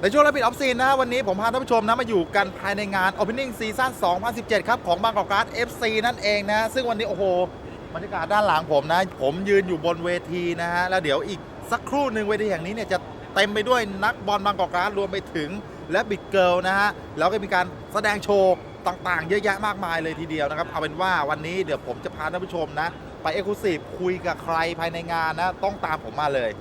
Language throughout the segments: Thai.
ในช่วงรับปิดออฟซีนนะวันนี้ผมพาท่านผู้ชมนะมาอยู่กันภายในงาน Opening Season 2017 ครับของบางกอกการ์ด FC นั่นเองนะซึ่งวันนี้โอ้โหบรรยากาศด้านหลังผมนะผมยืนอยู่บนเวทีนะฮะแล้วเดี๋ยวอีกสักครู่หนึ่งเวทีแห่งนี้เนี่ยจะเต็มไปด้วยนักบอลบางกอกการ์ดรวมไปถึงและบิ๊กเกิลนะฮะแล้วก็มีการแสดงโชว์ต่างๆเยอะแยะมากมายเลยทีเดียวนะครับเอาเป็นว่าวันนี้เดี๋ยวผมจะพาท่านผู้ชมนะไปเอ็กซ์คลูซีฟคุยกับใครภายในงานนะต้องตามผมมาเลย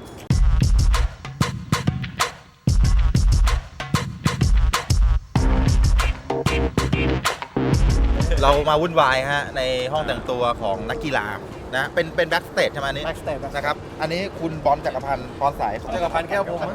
เรามาวุ่นวายฮะในห้องแต่งตัวของนักกีฬานะเป็นแบ็กสเตจใช่ไหมอันนี้แบ็กสเตจนะครับอันนี้คุณบอลจักรพันธ์พรสายจักรพันธ์แก้วพรหม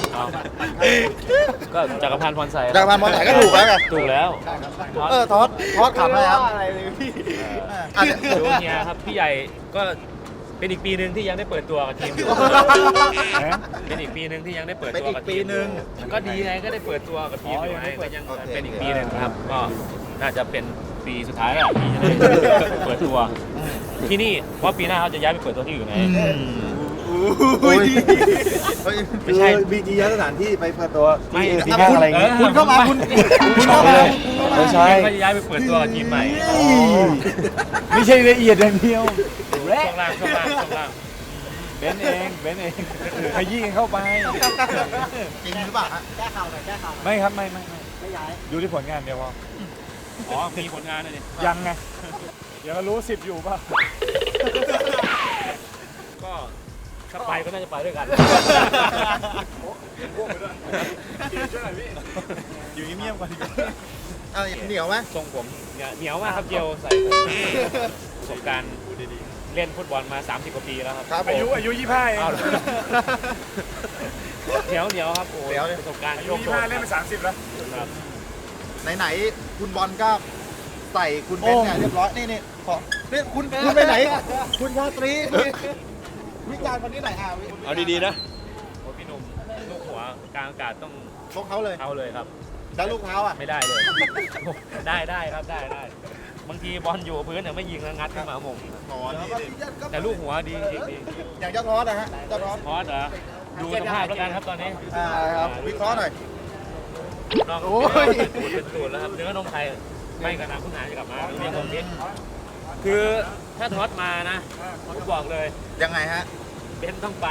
ก็จักรพันธ์พรใสจักรพันธ์พรสายก็ถูกแล้วไงถูกแล้วทอดขับเลยครับอะไรเลยพี่อันนี้ดูเฮียครับพี่ใหญ่ก็เป็นอีกปีหนึ่งที่ยังได้เปิดตัวกับทีมอยู่เป็นอีกปีหนึ่งที่ยังได้เปิดตัวกับทีมก็ดีไงก็ได้เปิดตัวกับทีมอยู่ไงก็ยังเป็นอีกปีหนึ่งครับก็น่าจะเป็นปีสุดท้ายแล้วที่จะได้เปิดตัวที่นี่เพราะปีหน้าเขาจะย้ายไปเปิดตัวที่อื่นไงไม่ใช่บีจีย้ายสถานที่ไปเปิดตัวไม่ที่ห้างอะไรอย่างงี้คุณเข้ามาคุณเข้ามาไม่ใช่เขาจะย้ายไปเปิดตัวกับทีมใหม่ไม่ใช่ละเอียดอย่างเดียวช่วงล่างเบนเองขยี้กันเข้าไปจริงหรือเปล่าฮะไม่ครับไม่ย้ายดูที่ผลงานเดียวพออ๋อมีผลงานเลยดิยังไงเดี๋ยวก็รู้10อยู่ป่ะก็ถ้าไปก็น่าจะไปด้วยกันอยู่เงียบๆก่อนดีกว่าเหนียวไหมทรงผมเนี่ยเหนียวมากครับเจียวใส่ประสบการณ์เล่นฟุตบอลมา30 กว่าปีแล้วครับครับผมอายุ25เองอ้าวเหนียวครับโอ้ยประสบการณ์อาโชยุคโชน 25เล่นไป30แล้วครับไหนๆคุณบอลก็ใส่คุณเบนเนี่ยเรียบร้อยนี่ขอเนี่ยคุณไปไหน คุณชาตรีวิจารณ์คนนี้หน่อยเอาดีๆนะโอ้พี่หนุ่มลูกหัวกลางอากาศต้องชกเขาเลยเอาเลยครับแล้วลูกเท้าอ่ะไม่ได้เลย ได้ครับได้บางทีบอลอยู่พื้นแต่ไม่ยิงแล้วงัดขึ้นมาผมแต่ลูกหัวดีจริงอย่างเจ้าทอสนะฮะเจ้าทอสพอสเหรอดูสภาพแล้วกันครับตอนนี้ครับวิเคราะห์หน่อยน้องเป็นตูดแล้วครับเนื้อนมไทยไม่กระนาผู้หาจะกลับมาเรียกผมนิดคือถ้าทอดมานะผมบอกเลยยังไงฮะเบนต้องไป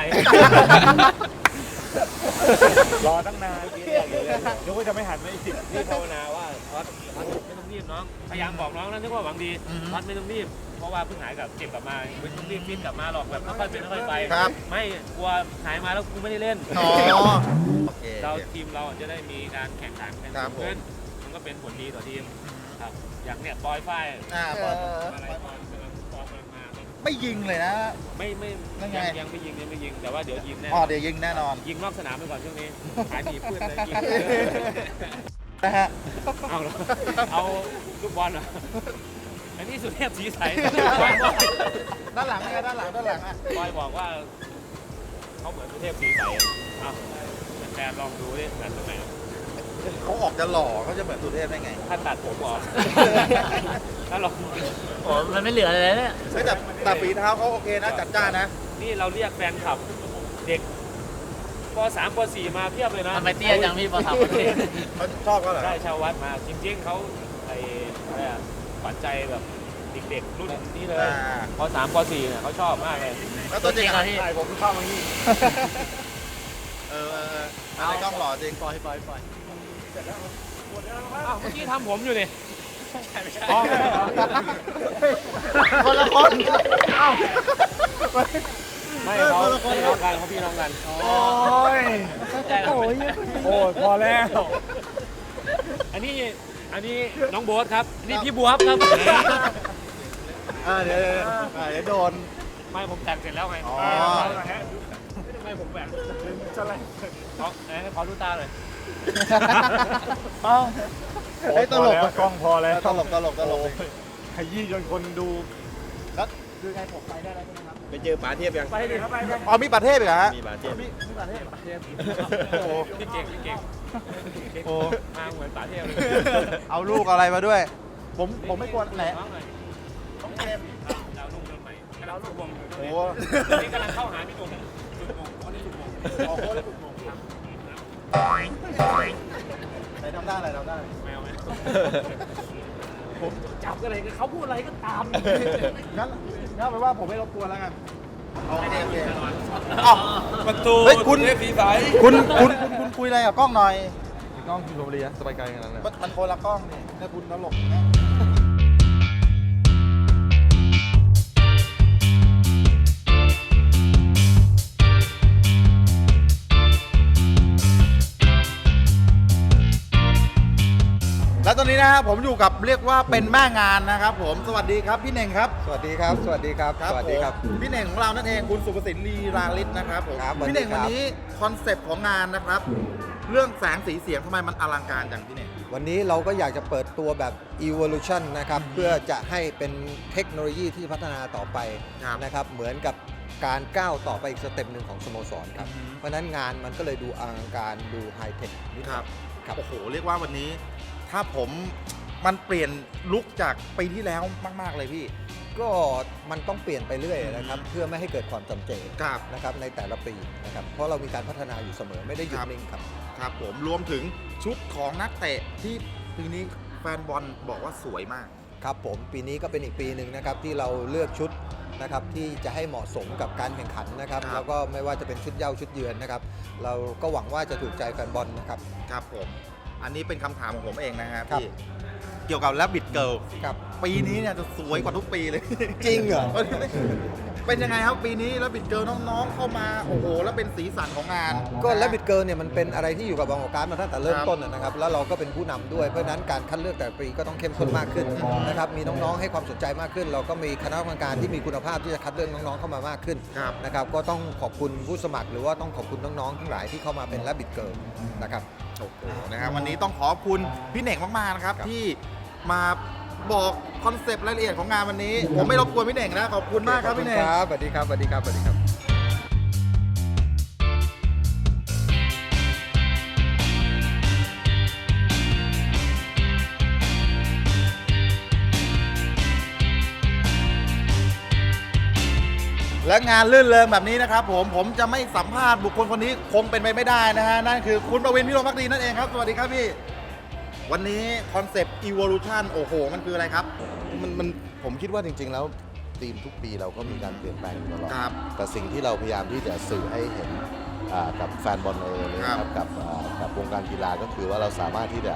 รอตั้งนานนึกว่าจะไม่หันมาอีกนี่ภาวนาว่าทอดไม่ต้องรีบน้องพยายามบอกน้องนะนึกว่าหวังดีทอดไม่ต้องรีบเพราะว่าเพิ่งหายกับเจ็บกลับมาไม่ต้องรีบฟิตกลับมาหรอกแบบค่อยๆเป็นค่อยๆไปไม่กลัวหายมาแล้วกูไม่ได้เล่นโอเคเราทีมเราจะได้มีการแข่งขันกันครับผมขึ้นมันก็เป็นผลดีต่อทีมครับอย่างเนี่ยบอยฝ้ายบอลอะไรบอลกำลังมาไม่ยิงเลยนะไม่นั่นไงยังไม่ยิงแต่ว่าเดี๋ยวยิงแน่เดี๋ยวยิงแน่นอนยิงนอกสนามไปก่อนช่วงนี้หายหนีเพื่อนเลยยิงนะฮะเอาเหรอเอาลูกบอลเหรออันนี้สุเทพสีใสด้านหลังไงด้านหลังอ่ะบอยบอกว่าเขาเหมือนสุเทพสีใสเอาแฟนลองดูดิเหมือนตรงไหนเขาออกจะหล่อเขาจะเหมือนสุเทพได้ไงถ้าตัดผมออกถ้าลองโอ้มันไม่เหลืออะไรเลยเนี่ยแต่ฝีเท้าเขาโอเคนะจัดจ้านนะนี่เราเรียกแฟนคลับเด็กป .3 ป .4 มาเพียบเลยนะทำไมเตี้ยจังพี่พอทำประเทศเขาชอบเขาเหรอได้ชาววัดมาจริงๆเขาไอ้อะไรอะฝันใจแบบเด็กๆรุ่นนี้เลยป .3 ป .4 เนี่ยเขาชอบมากเลยแล้วตัวจริงอะอ่ะพี่ใช่ผมเข้ามานี่อะไรกล้องหล่อจริงปล่อยอ้าวเมื่อกี้ทำผมอยู่นี่อ๋อคนละคนเอ้าไม่เขาพี่น้องกันเขาพี่น้องกันโอ้ยโอ้ยพอแล้วอันนี้น้องโบ๊ทครับนี่พี่บัวครับเดี๋ยวโดนไม่ผมแต่งเสร็จแล้วไงอ๋อไม่ผมแหวนขอดูตาเลยเฮ้ยตลกกล้องพอแล้วตลกขยี้จนคนดูคือไงผมไปได้แล้วใช่ไหมครับไปเจอป๋าเทียบยังไปดิครับไปอ๋อมีประเทศอีกเหรอฮะมีป๋าเทียบโอ้พี่เก่งโอ้มาเหมือนป๋าเที่ยวเลยเอาลูกอะไรมาด้วย ผมไม่กลัวไหนต้องเกมดาวนุ่งเดินใหม่ดาวลูกวงโอ้นี่กำลังเข้าหาพี่หนุ่มจุดมงคนนี้จุดมงออกโค้ดแล้วถูกมงไหนทำได้อะไรทำได้ไม่เอาผมจับอะไรกันเขาพูดอะไรก็ตามงั้นแปลว่าผมไม่รบกวนแล้วกันโอเคโอเคอ้าวประตูเฮ้ยคุณเทพสีใสคุณคุยอะไรกับกล้องหน่อยกล้องคุณชมบุรีสบายใจขนาดนั้นมันคนละกล้องนี่ถ้าคุณตลกนะ และตอนนี้นะครับผมอยู่กับเรียกว่าเป็นแม่งานนะครับผมสวัสดีครับพี่เน่งครับสวัสดีครับ สวัสดีครับ สวัสดีครับผมพี่เน่งของเรานั่นเองคุณสุภสินลีลาลิศนะครับผมครับสวัสดีพี่เน่งครับวันนี้คอนเซปต์ของงานนะครับ เรื่องแสงสีเสียงทำไมมันอลังการอย่างพี่เน่งวันนี้เราก็อยากจะเปิดตัวแบบ evolution นะครับ เพื่อจะให้เป็นเทคโนโลยีที่พัฒนาต่อไปครับนะครับ เหมือนกับการก้าวต่อไปอีกสเต็ปหนึ่งของสโมสรครับอือฮึเพราะฉะนั้นงานมันก็เลยดูอลังการดูไฮเทคนิดหคน่รัอบ ยครับโอ้โหเรียกว่าวันนี้ถ้าผมมันเปลี่ยนลุคจากปีที่แล้วมากๆเลยพี่ก็มันต้องเปลี่ยนไปเรื่อยนะครับ เพื่อไม่ให้เกิดความจำเจครับนะครับในแต่ละปีนะครับ เพราะเรามีการพัฒนาอยู่เสมอไม่ได้หยุดนิ่งครับครับผมรวมถึงชุดของนักเตะที่ปีนี้แฟนบอลบอกว่าสวยมากครับผมปีนี้ก็เป็นอีกปีหนึ่งนะครับที่เราเลือกชุดนะครับที่จะให้เหมาะสมกับการแข่งขันนะครับครับแล้วก็ไม่ว่าจะเป็นชุดเย้าชุดเยือนนะครับ เราก็หวังว่าจะถูกใจแฟนบอลนะครับครับผมอันนี้เป็นคำถามของผมเองนะฮะครับพี่เกี่ยวกับแรบบิทเกิลครับปีนี้เนี่ยจะสวยกว่าทุกปีเลยจริงเหรอเป็นยังไงครับปีนี้แรบบิทเกิลน้องๆเข้ามาโอ้โหแล้วเป็นสีสันของงานก็แลบิดเกิร์เนี่ยมันเป็นอะไรที่อยู่กับบางกอกการดมาตั้งแต่เริ่มครับต้นนะครับแล้วเราก็เป็นผู้นำด้วยเพราะฉะนั้นการคัดเลือกแต่ละปีก็ต้องเข้มข้นมากขึ้นนะครับมีน้องๆให้ความสนใจมากขึ้น เราก็มีคณะกรรมการที่มีคุณภาพที่จะคัดเลือกน้องๆเข้ามามากขึ้นครับนะครับก็ต้องขอบคุณผู้สมัครหรือว่าต้องขอบคุณน้องๆทั้งหลายที่เข้ามาเป็นแลบิดเกิร์นะครับโอ้โหนะครับวันนี้ต้องขอบคุณพี่เน่งมากๆนะครับครับที่มาบอกคอนเซปต์รายละเอียดของงานวันนี้ ผมไม่รบกวนพี่เน่งนะขอบคุณมากครับพี่เน่งครับสวัสดีครับสวัสดีครับสวัสดีครับและงานลื่นเริงแบบนี้นะครับผมจะไม่สัมภาษณ์บุคคลคนนี้คงเป็นไปไม่ได้นะฮะนั่นคือคุณประวินพิรมภักดีนั่นเองครับสวัสดีครับพี่วันนี้คอนเซปต์ evolution โอ้โหมันคืออะไรครับมันผมคิดว่าจริงๆแล้วทีมทุกปีเราก็มีการเปลี่ยนแปลงอยู่ตลอดครับแต่สิ่งที่เราพยายามที่จะสื่อให้เห็นกับแฟนบอลเองนะคครัรับบ กับวงการกีฬาก็คือว่าเราสามารถที่จะ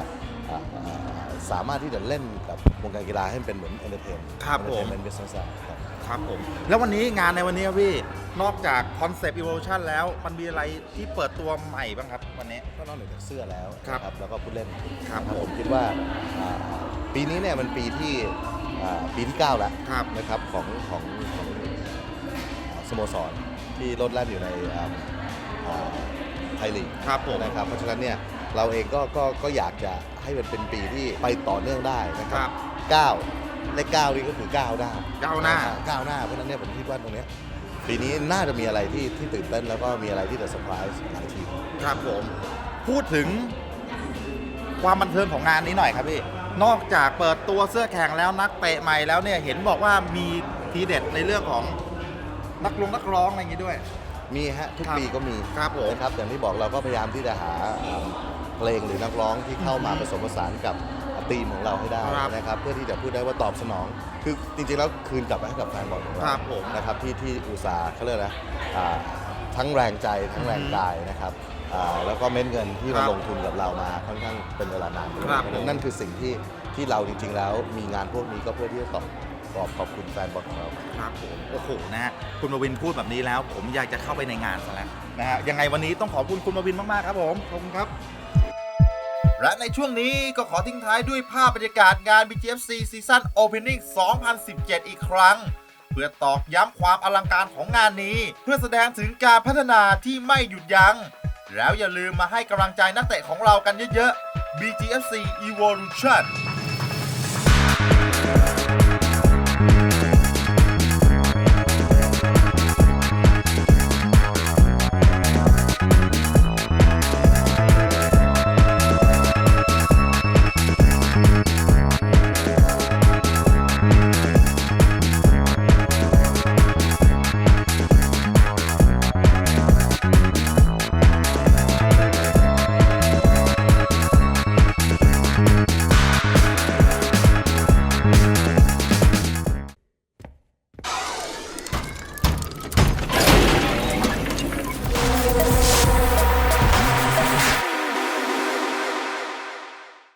เล่นกับวงการกีฬาให้มันเป็นเหมือนเอนเตอร์เทนครับผมเป็นบิสเนสครับครับผมแล้ววันนี้งานในวันนี้ครับพี่นอกจากคอนเซปต์ evolution แล้วมันมีอะไรที่เปิดตัวใหม่บ้างครับวันนี้ก็นอกเหนือจากเสื้อแล้วครับนะแล้วก็ผู้เล่นครับนะผมคิดว่าปีนี้เนี่ยมันปีที่9แล้วครับนะครับของสโมสรที่ลดแล่นอยู่ในไทยลีกครับผมนะครับเพราะฉะนั้นเนี่ยเราเองก็อยากจะให้มันเป็นปีที่ไปต่อเนื่องได้นะคครัรับ 9เลข9นี่ก็คือก้าวหน้าก้าวหน้าก้าวหน้าเพราะฉะนั้นเนี่ยผมคิดว่าตรงเนี้ยปีนี้น่าจะมีอะไรที่ตื่นเต้นแล้วก็มีอะไรที่จะเซอร์ไพรส์หลายทีมครับผมพูดถึงความบันเทิงของงานนี้หน่อยครับพี่นอกจากเปิดตัวเสื้อแข่งแล้วนักเตะใหม่แล้วเนี่ยเห็นบอกว่ามีทีเด็ดในเรื่องของนักร้องอะไรอย่างนี้ด้วยมีฮะทุกครับปีก็มีครับผมนะครับอย่างที่บอกเราก็พยายามที่จะหาเพลงหรือนักร้องที่เข้ามาผสมผสานกับธีมของเราให้ได้ครับนะครับเพื่อที่จะพูดได้ว่าตอบสนอง คือจริงๆแล้วคืนกลับไปให้กับแฟนบอลของเราครับผมนะครับที่อุตสาห์เขาเรียกนะทั้งแรงใจทั้งแรงกายนะครับแล้วก็เม็ดเงินที่ครัมาบลงทุนกับเรามาค่อนข้างเป็นเวลานานครับนั่นคือสิ่งที่เราจริงๆแล้วมีงานพวกนี้ก็เพื่อที่จะตอบขอบคุณแฟนบอลของเราครับผมโอ้โหนะฮะคุณมาวินพูดแบบนี้แล้ว ผมอยากจะเข้าไปในงานซะแล้วนะฮะยังไงวันนี้ต้องขอบคุณคุณมาวินมากๆครับผมขอบคุณครับ และในช่วงนี้ก็ขอทิ้งท้ายด้วยภาพบรรยากาศงาน BGFC Season Opening 2017 อีกครั้ง เพื่อตอกย้ำความอลังการของงานนี้ เพื่อแสดงถึงการพัฒนาที่ไม่หยุดยัง้งแล้วอย่าลืมมาให้กำลังใจนักเตะของเรากันเยอะๆ BGFC Evolution